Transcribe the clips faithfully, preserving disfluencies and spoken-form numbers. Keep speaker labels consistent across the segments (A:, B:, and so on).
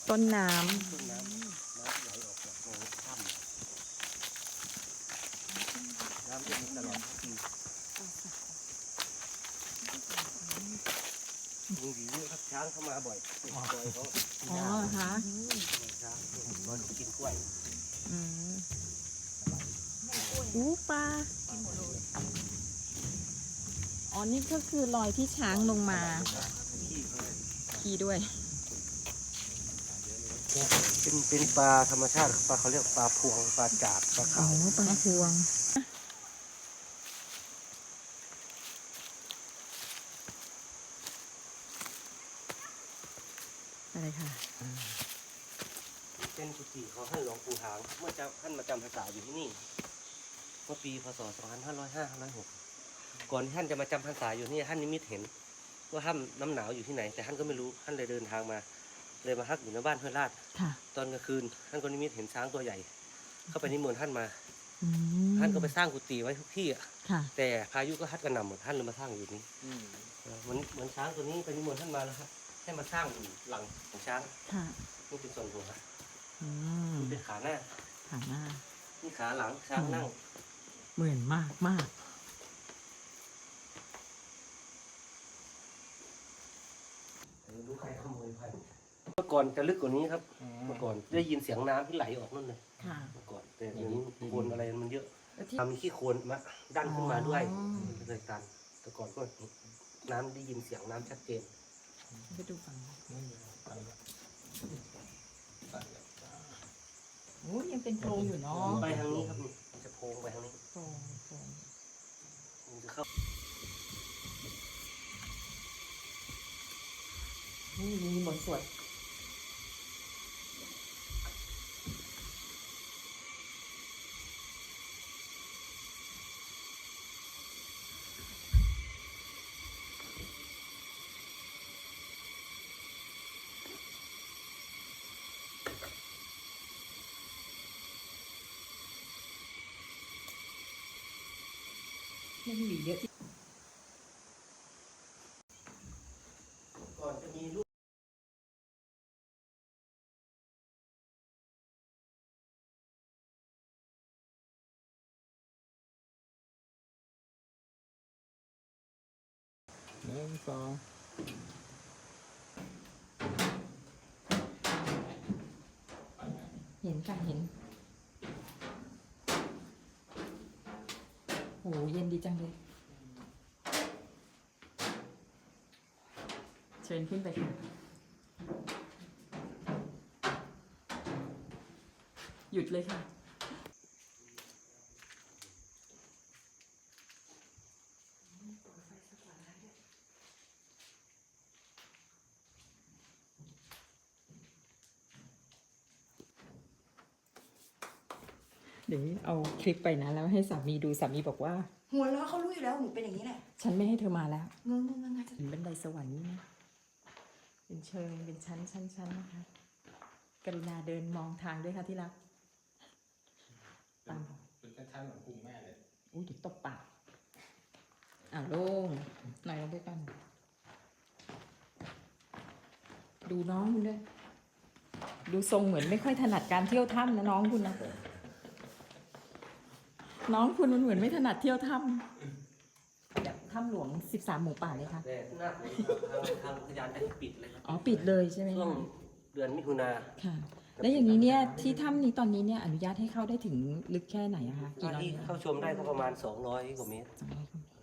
A: ต้นน้
B: ต้นน้ำน้ำไหลออกจากโพรงถ้ำน้ำจะมีตลอดทั้งปีมีหวีเยอะครับช้างเข้ามาบ่อยปล่อยเขา
A: ำอ๋อฮะ
B: ช้างมันกินกล้วย
A: อืมอู้ปลาอ๋อนี่ก็คือรอยที่ช้างลงมา
B: ขี้เขาเลย
A: ขี่ด้วย
B: เป็นเป็นปลาธรรมชาติปลาเขาเรียกปลาพวงปลาจาดปลา
A: อ๋อ
B: ขาว
A: ปลาพวงอะไรค่ะ
B: เป็นกุฏิของท่านหลวงปู่หางเมื่อจะท่านมาจำพรรษาอยู่ที่นี่เมื่อปีพศสองพันห้าร้อยห้าร้อยหกก่อนที่ท่านจะมาจำพรรษาอยู่นี่ท่านนิมิตเห็นว่าถ้ำน้ำหนาวอยู่ที่ไหนแต่ท่านก็ไม่รู้ท่านเลยเดินทางมาเลยมาพักอยู่ในบ้านห้วยลาด
A: ค่ะ
B: ตอนกลางคืนท่านก็นิมิตเห็นช้างตัวใหญ่ เข้าไปนิมนต์ท่านมา
A: อืม
B: ท่านก็ไปสร้างกุฏิไว้ทุกที่อะ
A: ค่ะ
B: แต่พายุก็พัดกระหน่ำหมดท่านเลยมาสร้างอยู่นี้เออเหมือนเหมือนช้างตัวนี้ไปนิมนต์ท่านมาแล้วครับให้มาสร้างหลังของช้าง
A: ค่ะ
B: นี่เป็นส่วนหัว
A: อืม
B: นี่เป็นขาหน้า
A: ขาหน้า
B: นี่ขาหลังช้างนั่ง
A: เหมือนมากมาก
B: รู้ใครขโมยไปเมื่อก่อนจะลึกกว่านี้ครับ เมื่อก่อนได้ยินเสียงน้ำที่ไหลออกนั่นเลย
A: ค่ะ
B: เมื่อก่อนแต่เดี๋ยวนี้โคลนอะไรมันเยอะ
A: แล้วที่
B: ทำขี้โคลนมาดันขึ้นมาด้วย
A: อ๋อ
B: เลยตันแต่ก่อนก็น้ำได้ยินเสียงน้ำชัดเจน
A: ไปดูฝั่งโอ้ยังเป็นโพรงอยู่เนาะ
B: ไปทางนี้ครับนี่จะโพงไปทางนี้
A: โพรงโพรง
B: มันจะเข้า
A: นี่มีบทสวดไม่มีเยอะที่
B: ก่อนจะมีลูก
C: หนึ่งสอง
A: เห็นค่ะเห็นโหเย็นดีจังเลย เชิญขึ้นไปค่ะหยุดเลยค่ะ เดี๋ยวเอาคลิปไปนะแล้วให้สามีดูสามีบอกว่า
D: หัวเราะเขารู้อยู่แล้วหนูเป็นอย่างนี้แหละ
A: ฉันไม่ให้เธอมาแล้ว
D: งงงงง
A: เห็นบันไดสวรรค์นี่นะเป็นเชิงเป็นชั้นชั้นชั้นนะคะ กรุณาเดินมองทางด้วยค่ะที่รักตาม
C: เป็นชั้นๆเหมือนพุงแม่เลย
A: อุ้ยเดี๋ยวตบปากอ่าโล่งหน่อยลงไปกัน ดูน้องคุณด้วย ดูทรงเหมือนไม่ค่อยถนัดการเที่ยวถ้ำนะน้องคุณนะ น้องคุณมันเหมือนไม่ถนัดเที่ยวถ้ำแบบถ้ำหลวงสิบสามหมู่ป่าเลยค่ะ
B: แต่หน้าฝนทางทางอุทยานได้ปิดเลยครับ
A: อ๋อปิดเลยใช่ไหม
B: ช่วง
A: คะ
B: เดือนมิถุนา
A: ค่ะ แล้วอย่างนี้เนี่ยที่ถ้ำนี้ตอนนี้เนี่ยอนุญาตให้เข้าได้ถึงลึกแค่ไหนอะคะ
B: ห
A: กี่
B: น้า
A: ร้อย
B: ที่
A: เมตร
B: เข้าชมได้ก็ประมาณสองร้อยกว่าเมตร
A: สองร้อยกว่าเมตร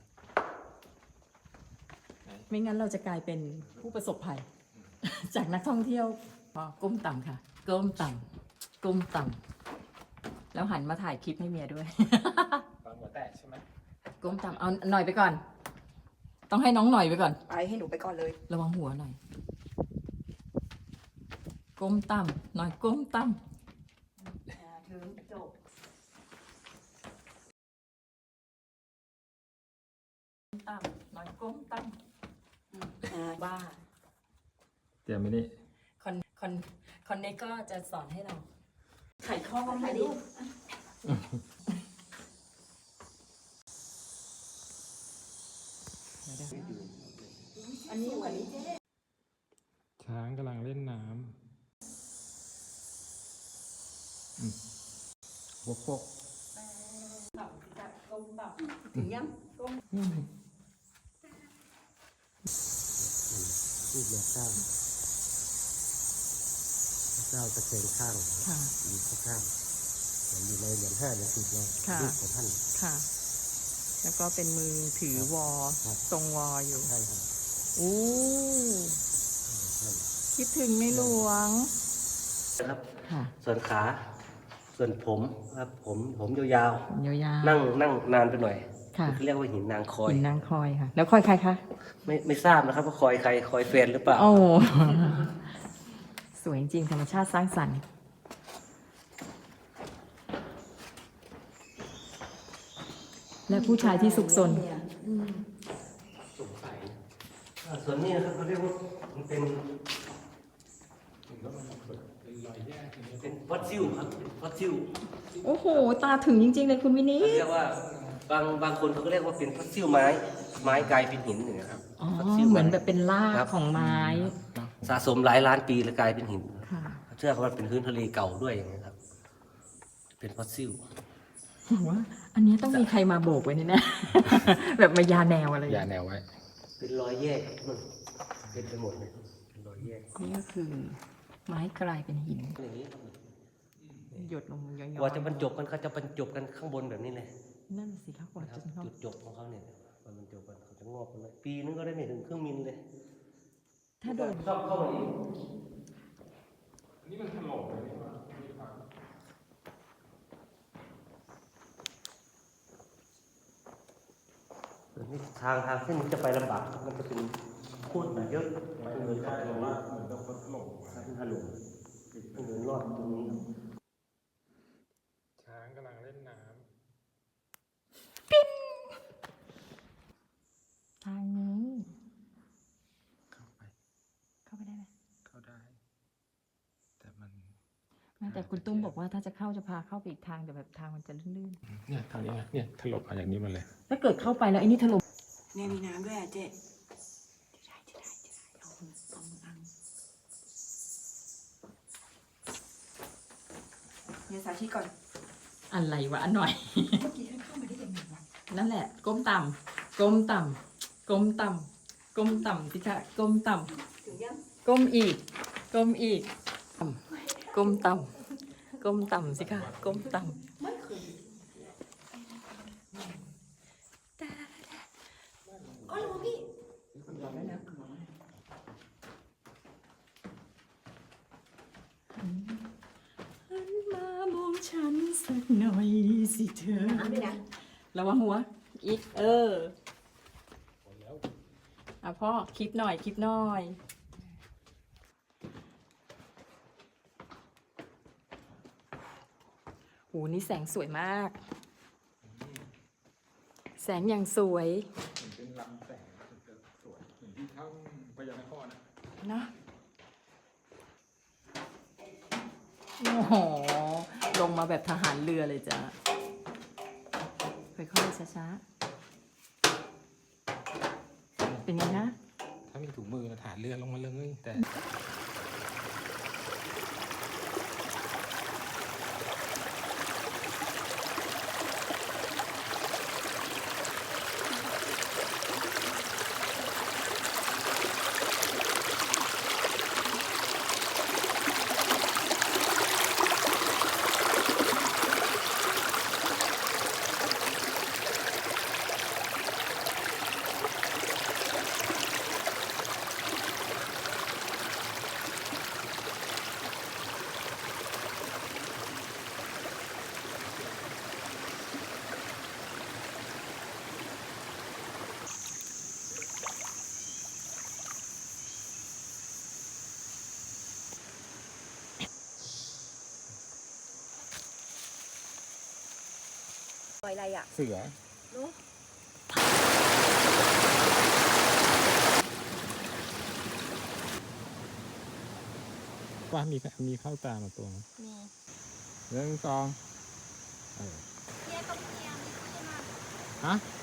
A: ไม่งั้นเราจะกลายเป็นผู้ประสบภัย จากนักท่องเที่ยวพอก้มต่ำค่ะ ก้มต่ำก้มต่ำแล้วหันมาถ่ายคลิปให้เมียด้วย
C: ตอนหัวแตกใช่ไหม
A: ก้มต่ำเอาหน่อยไปก่อน ต้องให้น้องหน่อยไปก่อน
D: ไปให้หนูไปก่อนเลย
A: ระวังหัวหน่อย ก้มต่ำหน่อยก้มต่ำ
D: ถึงจบ
A: ต่ำหน่อยก้มต่ำบ้า
C: เตรียมไปนี่
A: คอนคอนคอนเนคก็จะสอนให้เราไขข้อมา
D: ถ่าย
A: ดิ
D: รูปอันนี้เหมือน
C: ช้างกำลังเล่นน้หัวโปก
A: ต่ำจากก้มต่ำถึงยังก้ม
B: รูปแม่เจ้าพระเจ้าตะเคียนข้าง
A: ค่ะ
B: อยู่ข้างๆเหมือนอยู่ในเหรียญห้าเหรียญสิบเลย
A: ค่ะ
B: รูปของท่าน
A: ค่ะ แล้วก็เป็นมือถือวอ
B: ครับ
A: ทรงวออยู่
B: ใช่ครับ
A: อู้
B: ใช่
A: คิดถึงในหลวง
B: ครับ
A: ค่ะ
B: ส่วนขา ส่วนผมครับผมผมยาว
A: ยาว
B: ๆ นั่งนั่งนานไปหน่อย
A: ค่ะ
B: เรียกว่าหินนางค
A: ๆ
B: อย
A: หินนางคอยค่ะ แล้วคอยใครคะ
B: ไม่ไม่ทราบนะครับว่าคอยใครคอยแฟนหรือเปล่า
A: โอ้ สวยจริงธรรมชาติสร้างสรรค์ และผู้ชายที่สุขสน
C: สงสัย
B: อ่าส่วนนี้นะครับเขาเรียกว่ามันเป็น
C: ถึงก็มันเป็นรอยแยกอย่างเงี้ย
B: เป็นฟอสซิลครับเป็นฟอสซิล
A: โอ้โห ตาถึงจริง ๆ เลยคุณวินิ
B: เขา
A: จ
B: เรียกว่าบางบางคนเขาก็เรียกว่าเป็นฟอสซิลไม้ ไม้กลายเป็นหินอย่างเงี้ยครับ
A: อ๋อ
B: ฟอสซิล
A: เหมือนแบบเป็นราก
B: ครับ
A: ของไม้
B: สะสมหลายล้านปีแล้วกลายเป็นหิน
A: ค่ะ
B: เชื่อเขาว่าเป็นพื้นทะเลเก่าด้วยอย่างเงี้ยครับ เป็นฟอสซิล
A: ว่าอันนี้ต้องมีใครมาโบกไว้นี่นะ แบบมายาแนวอะไร
C: อย่าแนวไว้
B: เป็นรอยแยกมันเป็นไปหมดเลยเป็นรอยแยก
A: นี่ก็คือ ไม้กลายเป็นหิน
B: อย่างนี้ครับ
A: หยดลงย้อยๆ
B: กว่าจะบรรจบกันเขาจะบรรจบกันข้างบนแบบนี้เลย
A: นั่นสิคะกว่า
B: นะครั
A: จะ
B: บ
A: เข้า
B: จุดจบของเขาเนี่ยมันบรรจบกันเขาจะงอกกันเลยปีนึงก็ได้ไม่ถึงครึ่งมิลเลย
A: ถ้าโดน
B: ชอบเข้ามาอีก
C: อันนี้มันถล่มเลยนี่ว่าไม่ฟัง
B: ส่วนนี้ทางทางเส้นนี้จะไปลำบากมันจะเป็นโคตรเยอะ
C: มัน
B: เงิ
C: ไม่
B: น
C: ใช่
B: เข้าไป
C: หร
B: ตร
C: อก
B: งนี้
C: ว่าเหมือนกับคนถล่ม
B: ถ้าเป็นถล่มเงินรอดตรงนี้
C: ช้างกำลังเล่นน้
A: ทางนี้
C: ำเข้าไป
A: เข้าไปได้ไหม
C: เข้าได้ แต่มัน
A: ไม่แต่คุณตุ้มบอกว่าถ้าจะเข้าจะพาเข้าไปอีกทางแต่แบบทางมันจะลื่น
C: เนี่ยทางนี้ไงเนี่ยถล่มมาอย่างนี้มาเลย
A: ๆถ้าเกิดเข้าไปแล้วไอ้นี่ถล่ม
D: เนี่ยมีน้ำด้วยอ่ะเจ๊จะได้จะได้จะได้เอามือเอามืออังเนี่ยสาธิตก่อน
A: อะไรวะอันหน่อย
D: เมื่อกี้ท่านเข้ามาได้ยังไงวะ
A: นั่นแหละ ก้มต่ำก้มต่ำก้มต่ำก้มต่ำสิคะก้มต่
D: ถึงยัง
A: ำก้มอีก ก้มอีกต่ำก้มต่ำก้มต่ำสิคะก้มต่ำ
D: ไม่เคยอ๋อเหรอพี่
A: หันมามองฉันสักหน่อยสิเธอ
D: น้ำด้วยนะ
A: ระวังหัว อีก เอออ่ะพ่อคลิปหน่อยคลิปหน่อยโหนี่แสงสวยมาก แสงอย่างสวย
C: เหมือนเป็นลำแสงจะสวยเหมือนที่ถ้ำพญานครนะ
A: เนอะโอ้โห ลงมาแบบทหารเรือเลยจ้ะ ค่อยๆ ช้าๆ เป็นไงนะ
C: ถ้ามีถุงมือนะฐานเรือลงมาเลยแต่
D: ปล่อยอะไรอ่ะ
C: เสือ
D: เนาะ
C: ว่ามีมีเข้าตามาตัวไหม
D: มี
C: หนึ่งสองเออ
D: เทียบตรงเทียมขึ้นมา
C: ฮะ